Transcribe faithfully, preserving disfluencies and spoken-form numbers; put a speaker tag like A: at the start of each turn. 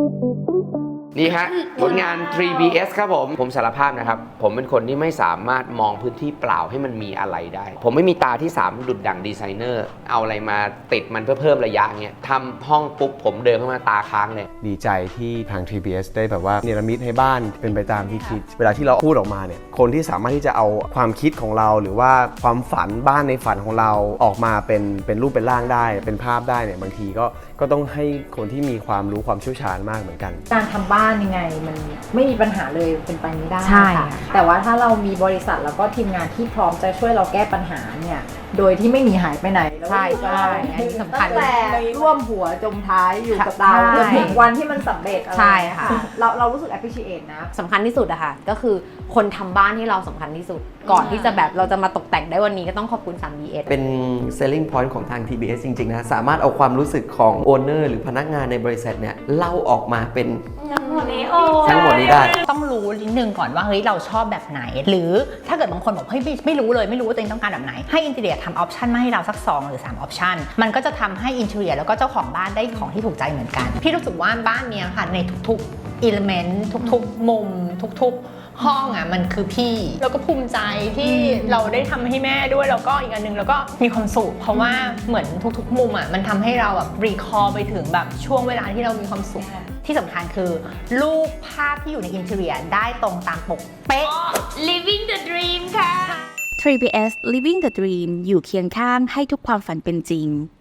A: นี่ฮะผลงาน ทรี บี เอส ครับผมผมสารภาพนะครับผมเป็นคนที่ไม่สามารถมองพื้นที่เปล่าให้มันมีอะไรได้ผมไม่มีตาที่สามดุดดั่งดีไซเนอร์เอาอะไรมาติดมันเพื่อเพิ่มระยะเงี้ยทำห้องปุ๊บผมเดินเข้ามาตาค้างเลย
B: ดีใจที่ทาง ทรี บี เอส ได้แบบว่าเนรมิตให้บ้านเป็นไปตามที่คิดเวลาที่เราพูดออกมาเนี่ยคนที่สามารถที่จะเอาความคิดของเราหรือว่าความฝันบ้านในฝันของเราออกมาเป็นเป็นรูปเป็นร่างได้เป็นภาพได้เนี่ยบางทีก็ก็ต้องให้คนที่มีความรู้ความเชี่ยวชาญมากเหมือนกัน
C: การทำบ้านยังไงมันไม่มีปัญหาเลยเป็นไปไม่ได้
D: ใช่ค่ะ
C: แต่ว่าถ้าเรามีบริษัทแล้วก็ทีมงานที่พร้อมจะช่วยเราแก้ปัญหาเนี่ยโดยที่ไม่หนีหายไปไหน
D: ใช่ใช่อันนี้สำคัญ
C: ตั้งแต่ร่วมหัวจมท้ายอยู่กับเรา
D: ใช่
C: จนถึงวันที่มันสำเร็จอะไร
D: ใช่ค่ะ
C: เราเรารู้สึก appreciate นะ
D: สำคัญที่สุดอะค่ะก็คือคนทำบ้านที่เราสำคัญที่สุด ก่อนที่จะแบบเราจะมาตกแต่งได้วันนี้ก็ต้องขอบคุณ ทรี บี เอส
E: เป็น selling point ของทาง ที บี เอส จริงๆนะสามารถเอาความรู้สึกของ owner หรือพนักงานในบริษัทเนี่ยเล่าออกมาเป็นทั้งหมดนี้ได้
F: ต้องรู้นิดนึงก่อนว่าเฮ้ยเราชอบแบบไหนหรือถ้าเกิดบางคนบอกเฮ้ยไม่ไม่รู้เลยไม่รู้ว่าตัวเองต้องการแบบไหนให้อินเทอร์เนียทำออปชันมาให้เราสักสองหรือสามออปชันมันก็จะทำให้อินเทอร์เนียแล้วก็เจ้าของบ้านได้ของที่ถูกใจเหมือนกันพี่รู้สึกว่าบ้านเนี้ยค่ะในทุกๆอิเลเมนต์ทุกๆมุมทุกๆห้องอ่ะมันคือพี่แล้วก็ภูมิใจที่เราได้ทำให้แม่ด้วยแล้วก็อีกอันนึงแล้วก็มีความสุขเพราะว่าเหมือนทุกๆมุมอ่ะมันทำให้เราแบบรีคอร์ไปถึงแบบช่วงเวลาที่เรามีความสุขที่สำคัญคือรูปภาพที่อยู่ในอินเทอร์เนียได้ตรงตามปกเป๊ะ
G: living the dream ค่ะ
H: ทรี บี เอส Living the Dream อยู่เคียงข้างให้ทุกความฝันเป็นจริง